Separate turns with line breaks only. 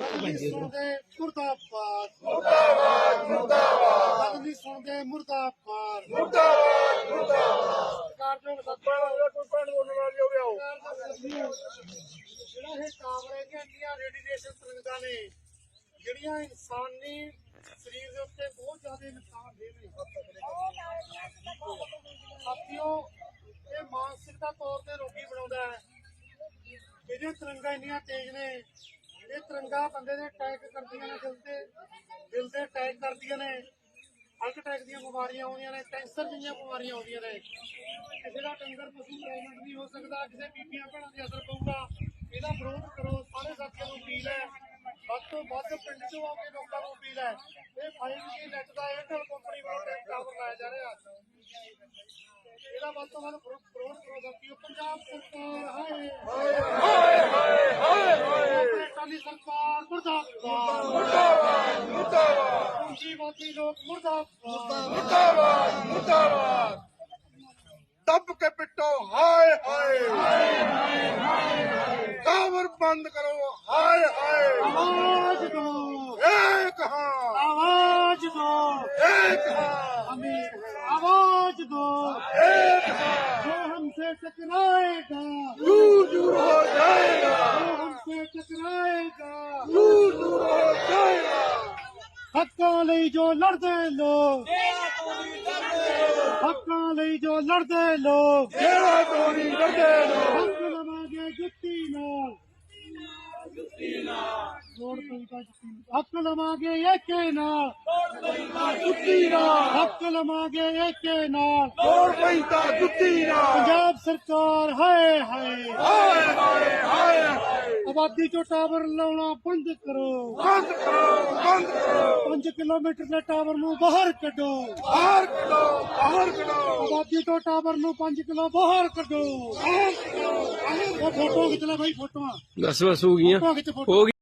सुनते मुर्दाबाद
मुर्दाबाद मुर्दाबाद
गल नहीं सुनते मुर्दाबाद
मुर्दाबाद मुर्दाबाद
सरकारजोग ਜਿਹੜਾ ਇਹ ਕਾਮਰੇ ਦੀਆਂ ਇੰਨੀਆਂ ਰੇਡੀਏਸ਼ਨ ਤਰੰਗਾਂ ਨੇ ਜਿਹੜੀਆਂ ਇਨਸਾਨੀ ਸਰੀਰ ਦੇ ਉੱਤੇ ਬਹੁਤ ਜ਼ਿਆਦਾ ਨੁਕਸਾਨ ਦੇ ਨੇ ਸਾਥੀਓ ਇਹ ਮਾਨਸਿਕਤਾ ਤੌਰ ਤੇ ਰੋਗੀ ਬਣਾਉਂਦਾ ਹੈ। ਇਹਦੀਆਂ ਤਰੰਗਾਂ ਇੰਨੀਆਂ ਤੇਜ਼ ਨੇ, ਇਹ ਤਰੰਗਾਂ ਬੰਦੇ ਦੇ ਅਟੈਕ ਕਰਦੀਆਂ ਨੇ, ਦਿਲ ਤੇ ਅਟੈਕ ਕਰਦੀਆਂ ਨੇ, ਹਾਰਟ ਅਟੈਕ ਦੀਆਂ ਬਿਮਾਰੀਆਂ ਆਉਂਦੀਆਂ ਨੇ, ਕੈਂਸਰ ਜਿਹੀਆਂ ਬਿਮਾਰੀਆਂ ਆਉਂਦੀਆਂ ਨੇ। ਕਿਸੇ ਦਾ ਡੰਗਰ ਪਸ਼ੂ ਪ੍ਰੈਗਨੈਂਟ ਨਹੀਂ ਹੋ ਸਕਦਾ, ਕਿਸੇ ਬੀਬੀਆਂ ਭੈਣਾਂ ਦੇ ਅਸਰ ਪਊਗਾ। ਇਹਦਾ ਵਿਰੋਧ ਕਰੋ। ਸਾਰੇ ਸਾਥੀਆਂ ਨੂੰ ਅਪੀਲ ਹੈ, ਵੱਧ ਤੋਂ ਵੱਧ ਪਿੰਡ ਚੋਂ ਆ ਕੇ ਲੋਕਾਂ ਨੂੰ ਅਪੀਲ ਹੈ। ਇਹ 5G ਨੈਟ ਦਾ ਏਅਰਟੈਲ ਕੰਪਨੀ ਵੱਲੋਂ ਟਾਵਰ ਲਾਇਆ ਜਾ ਰਿਹਾ, ਇਹਦਾ ਵੱਧ ਤੋਂ ਵੱਧ ਵਿਰੋਧ ਕਰੋ। ਸਾਥੀਓ ਪੰਜਾਬ ਸਰਕਾਰ ਹਾਏ
हाय हाय हाय हाय
ਅਕਾਲੀ ਸਰਕਾਰ ਮੁਰਦਾਬਾਦ
मुर्दाबाद मुर्दाबाद
ਪੂੰਜੀਵਾਦੀ ਲੋਕ ਮੁਰਦਾਬਾਦ
मुर्दाबाद मुर्दाबाद दब के पिटो हाय हाय टावर बंद करो हाय हाय
आवाज दो,
एक हाँ
आवाज दो,
एक हाँ
अमीर आवाज दो।
एक हाँ
जो हमसे टकराएगा,
दूर दूर हो जाएगा
जो हमसे टकराएगा,
दूर दूर हो जाएगा
हक्कां ਲਈ ਜੋ ਲੜਦੇ ਲੋਕ, ਹੱਕਾਂ ਲਈ ਜੋ ਲੜਦੇ ਲੋਕ,
तेरा चोरी करते लोग
ਹੱਕ ਲਵਾਂਗੇ ਜੁੱਤੀ ਨਾਲ, ਲੋੜ ਪਈ ਤਾਂ ਜੁੱਤੀ ਨਾਲ। ਹੱਕ ਲਵਾਂਗੇ ਏਕੇ ਨਾਲ,
जुत्ती ना
ਹੱਕ ਲਵਾਂਗੇ ਏਕੇ ਨਾਲ।
तोड़ पैंता जुत्ती ना
ਪੰਜਾਬ ਸਰਕਾਰ ਹਾਏ ਹਾਏ
हाय हाय हाय
ਆਬਾਦੀ ਚੋਂ ਟਾਵਰ ਲਾਉਣਾ ਬੰਦ ਕਰੋ।
बंद करो
5 ਕਿਲੋਮੀਟਰ ਦੇ ਟਾਵਰ ਨੂੰ ਬਾਹਰ ਕੱਢੋ।
बाहर करो बाहर करो
ਆਬਾਦੀ ਤੋਂ ਟਾਵਰ ਨੂੰ 5 ਕਿਲੋ ਬਾਹਰ ਕੱਢੋ। ਉਹ ਫੋਟੋ ਖਿੱਚ ਲੈ ਬਾਈ, ਫੋਟੋਆਂ
ਬਸ ਬਸ ਹੋ ਗਈਆਂ
ਫੋਟੋ ਖਿੱਚ, ਫੋਟੋ
ਹੋ ਗਈ।